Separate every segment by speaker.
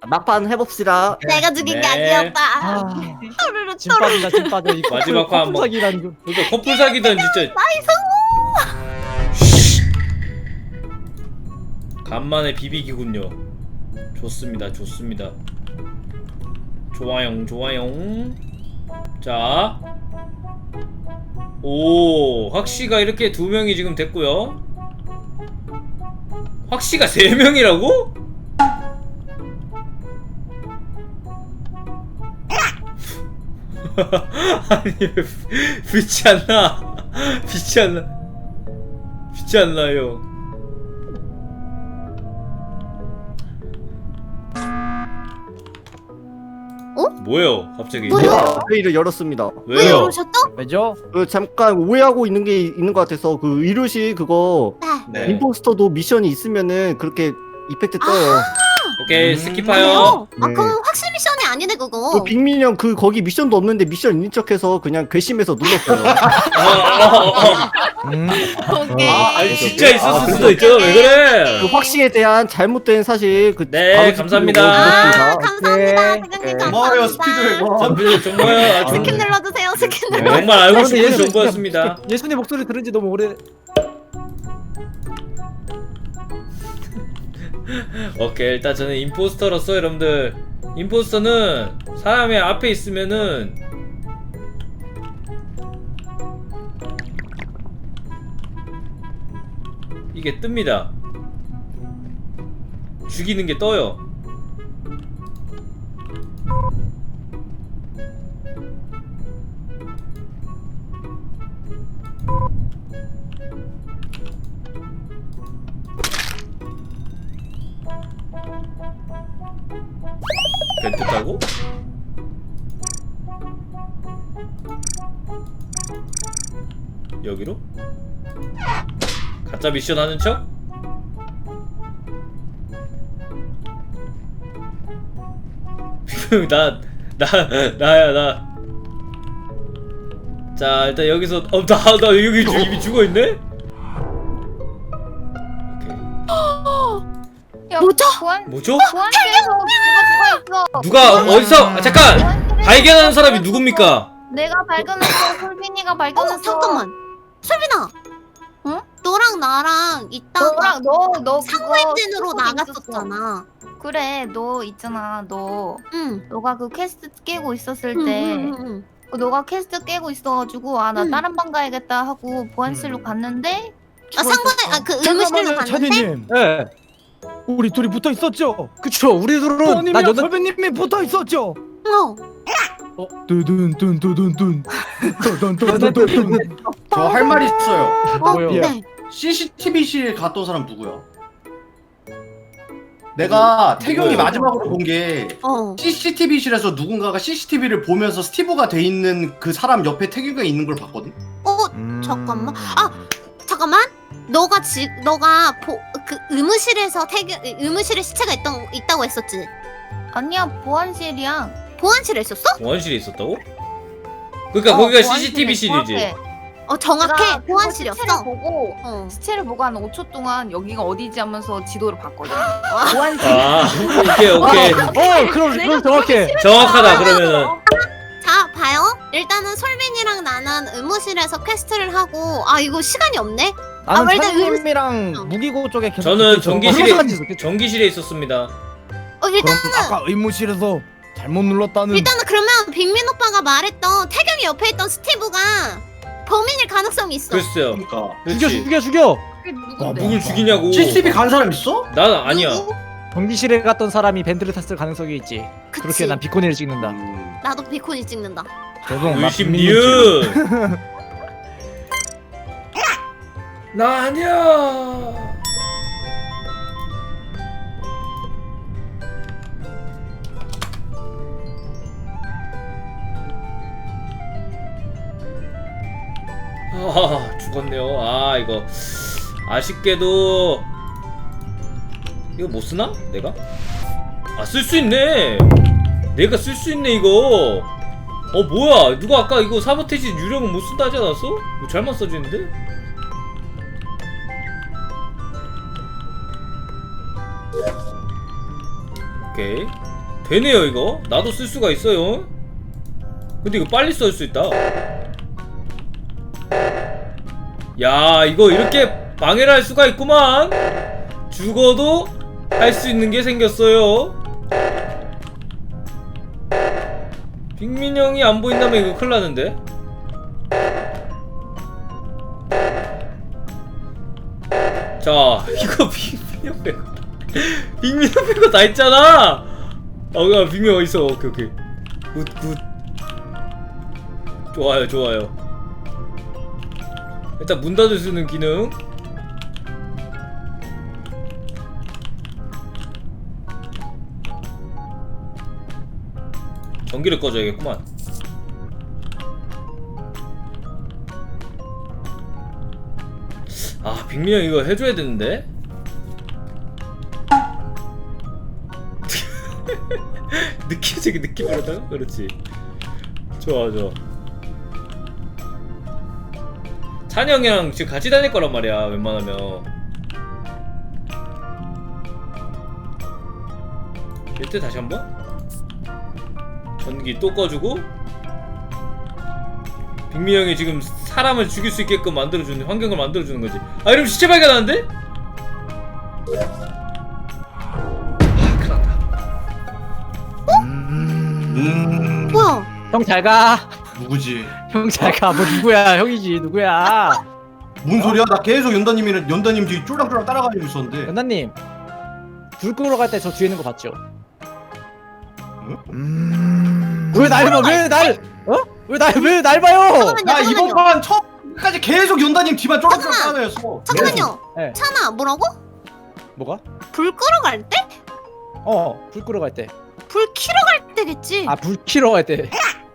Speaker 1: 막판 해봅시다.
Speaker 2: 내가 죽인 게
Speaker 3: 네.
Speaker 2: 아니었다.
Speaker 4: 아,
Speaker 2: 또르르
Speaker 4: 진 빠진다 진 빠져. 이
Speaker 3: 마지막 판 한번.
Speaker 4: 사기라는 거.
Speaker 3: 그러니까 커플 사기던 진짜. 간만에 비비기군요. 좋습니다, 좋습니다. 좋아요, 좋아요. 자, 오, 확씨가 이렇게 2명이 지금 됐고요. 확씨가 3명이라고? 아니 왜 빛이 안 나? 빛이 안 나? 빛이 안 나요. 뭐예요? 갑자기?
Speaker 2: 뭐야?
Speaker 1: 회의를 열었습니다.
Speaker 2: 왜
Speaker 3: 왜요?
Speaker 2: 이러셨어?
Speaker 4: 왜죠?
Speaker 1: 잠깐 오해하고 있는 게 있는 것 같아서 그 이루시 그거
Speaker 2: 네.
Speaker 5: 네.
Speaker 1: 임포스터도 미션이 있으면은 그렇게 이펙트 떠요.
Speaker 3: 오케이 스킵하요.
Speaker 2: 아
Speaker 1: 네.
Speaker 2: 그럼 확실 미션이 아니네 그거.
Speaker 1: 그 빅민이 형 그 거기 미션도 없는데 미션 있는 척해서 그냥 괘씸해서 눌렀어요.
Speaker 2: 오케이.
Speaker 3: 아니 진짜 있었을 수도 있잖아. 왜 그래?
Speaker 1: 그 확신에 대한 잘못된 사실 그
Speaker 3: 네,
Speaker 1: 바로
Speaker 3: 감사합니다.
Speaker 2: 아, 감사합니다.
Speaker 1: 네.
Speaker 2: 대장님
Speaker 1: 네.
Speaker 2: 감사합니다.
Speaker 5: 고마워요 스피드
Speaker 3: 전부 정말 아주
Speaker 2: 스킨 눌러주세요. 스킨
Speaker 3: 네,
Speaker 2: 눌러.
Speaker 3: 정말 알고
Speaker 4: 근데
Speaker 3: 싶은
Speaker 4: 예수-
Speaker 3: 정보였습니다.
Speaker 4: 예수님 목소리 들은 지 너무 오래.
Speaker 3: 오케이 일단 저는 임포스터로서 여러분들 임포스터는 사람의 앞에 있으면은 이게 뜹니다. 죽이는 게 떠요. 벤트 타고? 여기로? 가짜 미션 하는 척? 나야 나. 자 일단 여기서 나 여기 이미 죽어있네? 오케이.
Speaker 2: 뭐죠?
Speaker 3: 뭐죠?
Speaker 6: 보안실에서 누가 죽어있어.
Speaker 3: 누가 어디서 잠깐! 발견하는 사람이 누굽니까?
Speaker 6: 내가 발견했어. 솔빈이가 발견했어.
Speaker 2: 잠깐만. 솔빈아.
Speaker 6: 응?
Speaker 2: 너랑 나랑 이따가
Speaker 6: 너랑 너
Speaker 2: 상호 엔진으로 나갔었잖아.
Speaker 6: 그래 너 있잖아 너
Speaker 2: 응.
Speaker 6: 너가 그 퀘스트 깨고 있었을
Speaker 2: 응,
Speaker 6: 때
Speaker 2: 응, 응, 응.
Speaker 6: 너가 퀘스트 깨고 있어가지고 아 나
Speaker 2: 응.
Speaker 6: 다른 방 가야겠다 하고 보안실로 갔는데
Speaker 2: 아 상관에 그 의무실로 갔는데.
Speaker 4: 차디님.
Speaker 1: 네.
Speaker 4: 우리 둘이 붙어 있었죠?
Speaker 1: 그쵸. 우리 둘은 나
Speaker 4: 선임이랑
Speaker 1: 여덟
Speaker 4: 선배님이 붙어 있었죠? 뚜둔뚜둔뚜둔. 뚜둔뚜둔뚜둔.
Speaker 5: 저 할 말이 있어요.
Speaker 4: 뭐요?
Speaker 2: 네.
Speaker 5: CCTV실 갔던 사람 누구야? 내가 태경이
Speaker 3: 누구예요?
Speaker 5: 마지막으로 본 게 CCTV실에서 누군가가 CCTV를 보면서 스티브가 돼 있는 그 사람 옆에 태경이가 있는 걸 봤거든?
Speaker 2: 잠깐만. 잠깐만. 너가 그 의무실에서 의무실에 시체가 있다고 했었지.
Speaker 6: 아니야 보안실이야.
Speaker 2: 보안실에 있었어?
Speaker 3: 원실에 있었다고? 그러니까 거기가 CCTV실이지.
Speaker 2: 정확해.
Speaker 6: 시체를
Speaker 2: 보안실이었어.
Speaker 6: 보고
Speaker 2: 어.
Speaker 6: 시체를 보고 한 5초 동안 여기가 어디지 하면서 지도를 봤거든. 보안실.
Speaker 3: 아 오케이
Speaker 4: 그럼 정확해.
Speaker 3: 정확하다 그러면은.
Speaker 2: 자, 봐요. 일단은 솔빈이랑 나는 의무실에서 퀘스트를 하고 이거 시간이 없네.
Speaker 4: 나는
Speaker 2: 일단
Speaker 4: 차디님이랑 무기고 쪽에 계속
Speaker 3: 저는
Speaker 4: 붙어 있어.
Speaker 3: 전기실에 전기실에 있었습니다.
Speaker 4: 그럼
Speaker 2: 일단은
Speaker 4: 아까 의무실에서 잘못 눌렀다는.
Speaker 2: 그러면 빅민 오빠가 말했던 태경이 옆에 있던 스티브가 범인일 가능성이 있어.
Speaker 3: 글쎄요.
Speaker 5: 그러니까
Speaker 3: 그렇지.
Speaker 4: 죽여.
Speaker 6: 그게
Speaker 3: 와
Speaker 6: 누군데?
Speaker 3: 누굴 죽이냐고.
Speaker 5: CCTV 간 사람 있어?
Speaker 3: 난 아니야.
Speaker 2: 누구?
Speaker 4: 전기실에 갔던 사람이 밴드를 탔을 가능성이 있지.
Speaker 2: 그치.
Speaker 4: 그렇게 난 비코니를 찍는다.
Speaker 2: 나도 비콘이 찍는다.
Speaker 4: 죄송. 나
Speaker 3: 의심
Speaker 4: 빅민님
Speaker 3: 니은. 나 아니야. 아 죽었네요. 아 이거 아쉽게도 이거 못 쓰나? 내가? 쓸 수 있네. 내가 쓸 수 있네 이거. 뭐야? 누가 아까 이거 사보테지 유령은 못 쓴다 하지 않았어? 이거 잘못 써지는데? 오케이. 되네요 이거. 나도 쓸 수가 있어요. 근데 이거 빨리 쓸 수 있다. 야 이거 이렇게 방해를 할 수가 있구만. 죽어도 할 수 있는 게 생겼어요. 빅민 형이 안 보인다면 이거 큰일 나는데. 자 이거 빅민 형 빼고 빅민 형 빼고 다 했잖아. 야 빅민 어딨어. 오케이 오케이 굿 좋아요 좋아요. 일단 문 닫을 수 있는 기능. 전기를 꺼줘야겠구만. 아 빅민 형 이거 해줘야 되는데. 느끼지 느낌으로다가 그렇지. 좋아 좋아. 찬이 형이랑 지금 같이 다닐 거란 말이야 웬만하면. 이때 다시 한번 전기 또 꺼주고. 빅미 형이 지금 사람을 죽일 수 있게끔 만들어주는 환경을 만들어주는 거지. 아 이러면 시체 발견하는데?
Speaker 2: 뭐야?
Speaker 4: 형 잘 가.
Speaker 5: 누구지?
Speaker 4: 형 잘 가. 뭐 누구야? 형이지 누구야?
Speaker 5: 뭔 소리야? 나 계속 연다님 뒤 쫄랑쫄랑 따라가고 있었는데.
Speaker 4: 연나님 불 끄러 갈 때 저 뒤에 있는 거 봤죠? 왜 날 봐? 왜 날 봐요?
Speaker 5: 나 이번
Speaker 2: 잠깐만요.
Speaker 5: 판 처음까지 계속 연다님 뒤만 쫄랑쫄랑 따라다녔어.
Speaker 2: 잠깐만요.
Speaker 4: 네.
Speaker 2: 찬아 뭐라고?
Speaker 4: 뭐가?
Speaker 2: 불 끄러 갈 때?
Speaker 4: 불 끄러 갈 때.
Speaker 2: 불 키러 갈 때겠지.
Speaker 4: 아 불 켜러 갈 때.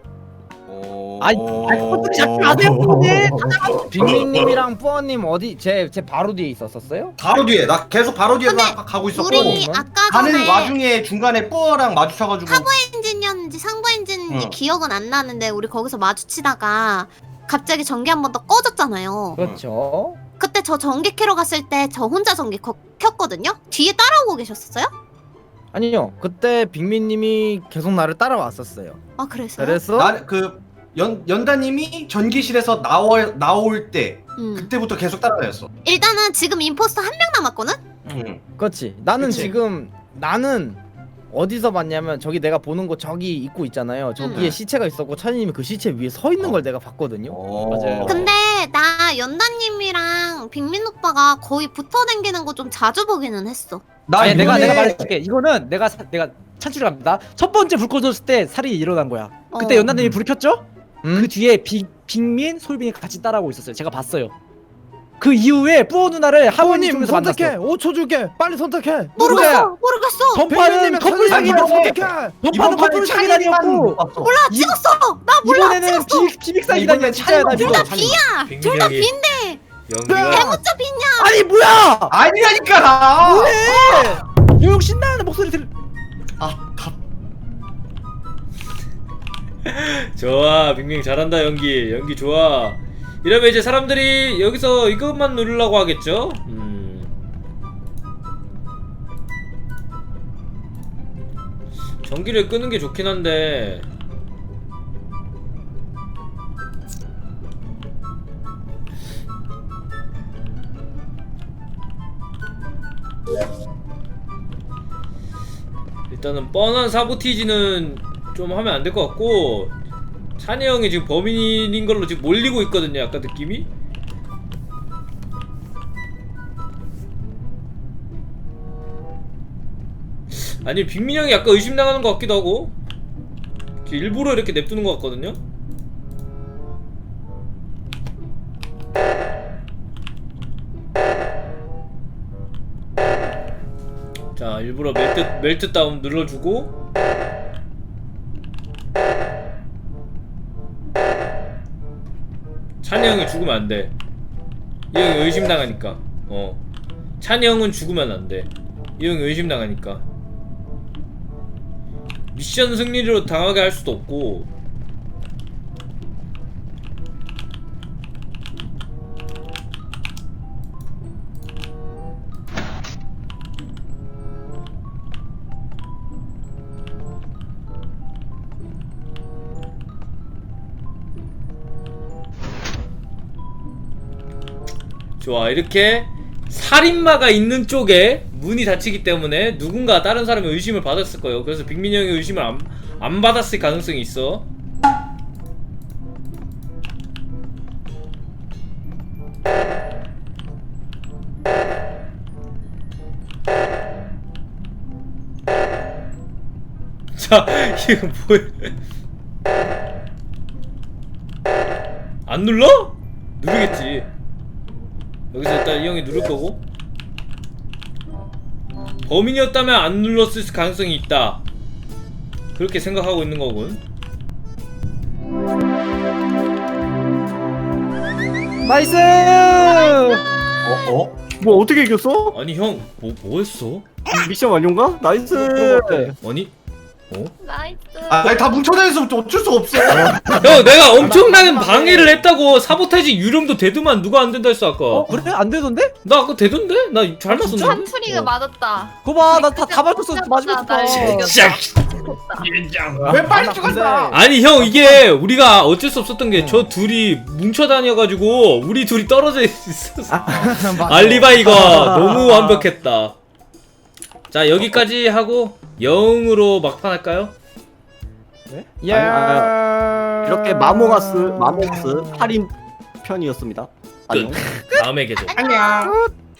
Speaker 4: 그것들이 잡지 마세요, 형님. 빅민님이랑 뿌어님 어디 제 바로 뒤에 있었었어요?
Speaker 5: 바로 뒤에 나 계속 바로 뒤에
Speaker 2: 근데
Speaker 5: 가고 있었고
Speaker 2: 우리 아까
Speaker 5: 가는
Speaker 2: 전에
Speaker 5: 와중에 중간에 뽀어랑 마주쳐가지고
Speaker 2: 하부 엔진이었는지 상부 엔진인지
Speaker 5: 응.
Speaker 2: 기억은 안 나는데 우리 거기서 마주치다가 갑자기 전기 한 번 더 꺼졌잖아요.
Speaker 4: 그렇죠.
Speaker 2: 그때 저 전기 켜러 갔을 때 저 혼자 전기 켰거든요. 뒤에 따라오고 계셨어요?
Speaker 7: 아니요, 그때 빅민님이 계속 나를 따라왔었어요.
Speaker 2: 아 그랬어요?
Speaker 7: 그래서
Speaker 5: 나그 연다님이 전기실에서 나올 때 그때부터 계속 따라다녔어.
Speaker 2: 일단은 지금 임포스터 한 명 남았거든?
Speaker 5: 응.
Speaker 7: 그렇지. 나는
Speaker 5: 그치.
Speaker 7: 지금 어디서 봤냐면 저기 내가 보는 곳 저기 입구 있잖아요. 저기에
Speaker 2: 응.
Speaker 7: 시체가 있었고 찬이님이 그 시체 위에 서 있는 걸 내가 봤거든요.
Speaker 4: 맞아요.
Speaker 2: 근데 나 연다님이랑 빅민 오빠가 거의 붙어 다니는 거 좀 자주 보기는 했어.
Speaker 5: 나
Speaker 4: 아니 내가
Speaker 5: 이번에
Speaker 4: 말해줄게. 이거는 내가 찬출을 합니다. 첫 번째 불 꺼졌을 때 살인이 일어난 거야. 그때
Speaker 2: 어.
Speaker 4: 연나님이 불 켰죠?
Speaker 7: 응?
Speaker 4: 그 뒤에 빅민, 솔빈이 같이 따라오고 있었어요. 제가 봤어요. 그 이후에 뿌어 누나를 하원님
Speaker 7: 하원님
Speaker 4: 쪽에서 만났어.
Speaker 7: 선택해. 5초 줄게. 빨리 선택해.
Speaker 2: 모르겠어. 모르겠어.
Speaker 4: 전파는 커플 사기라고.
Speaker 7: 선택해.
Speaker 4: 전파는 커플 사기단이었고
Speaker 5: 몰라.
Speaker 2: 찍었어. 나 몰라.
Speaker 4: 이번에는 비빅 사기단이야.
Speaker 5: 이번엔
Speaker 4: 진짜야 나
Speaker 5: 찬이가
Speaker 4: 믿어.
Speaker 2: 둘 다 B야. 둘 다 B인데
Speaker 3: 연기가
Speaker 2: 대문자 B냐?
Speaker 7: 아니 뭐야?
Speaker 5: 아니라니까 나.
Speaker 4: 요용 신나는 목소리 들.
Speaker 3: 좋아 빅밍 잘한다. 연기 좋아. 이러면 이제 사람들이 여기서 이것만 누르려고 하겠죠? 전기를 끄는 게 좋긴 한데 일단은 뻔한 사보티지는 좀 하면 안 될 것 같고, 찬이 형이 지금 범인인 걸로 지금 몰리고 있거든요. 약간 느낌이. 아니 빅민 형이 약간 의심당하는 것 같기도 하고, 일부러 이렇게 냅두는 것 같거든요. 자 일부러 멜트 다운 눌러주고, 찬이 형이 죽으면 안돼. 이 형이 의심당하니까. 찬이 형은 죽으면 안돼. 이 형이 의심당하니까. 미션 승리로 당하게 할 수도 없고. 좋아, 이렇게 살인마가 있는 쪽에 문이 닫히기 때문에 누군가 다른 사람의 의심을 받았을 거예요. 그래서 빅민이 형의 의심을 안 받았을 가능성이 있어. 자, 이거 뭐야? 안 눌러? 누르겠지. 여기서 일단 이 형이 누를 거고. 범인이었다면 안 눌렀을 가능성이 있다. 그렇게 생각하고 있는 거군.
Speaker 4: 나이스.
Speaker 1: 뭐 어떻게 이겼어?
Speaker 3: 아니 형, 뭐 했어?
Speaker 1: 미션 완료인가? 나이스.
Speaker 3: 아니,
Speaker 2: 나이스.
Speaker 5: 아니 다 뭉쳐다녀서 어쩔 수 없어.
Speaker 3: 형 내가 엄청나게 방해를 했다고. 사보타지 유령도 되더만 누가 안 된다 했어 아까.
Speaker 4: 그래? 안 되던데?
Speaker 3: 나 아까 되던데? 나 잘 맞췄는데?
Speaker 6: 사투리가 맞았다.
Speaker 4: 그거 봐, 나 다 맞췄어. 마지막부터.
Speaker 6: 날
Speaker 3: 진짜.
Speaker 5: 왜 빨리 죽었어?
Speaker 3: 아니 형, 이게 우리가 어쩔 수 없었던 게 저 둘이 뭉쳐 다녀가지고 우리 둘이 떨어져 있었어. 알리바이가 너무 완벽했다. 자, 여기까지 하고 영으로 막판 할까요?
Speaker 7: 야.
Speaker 1: 이렇게 마모가스 8인 편이었습니다. 안녕.
Speaker 3: 다음에 계속.
Speaker 5: 안녕.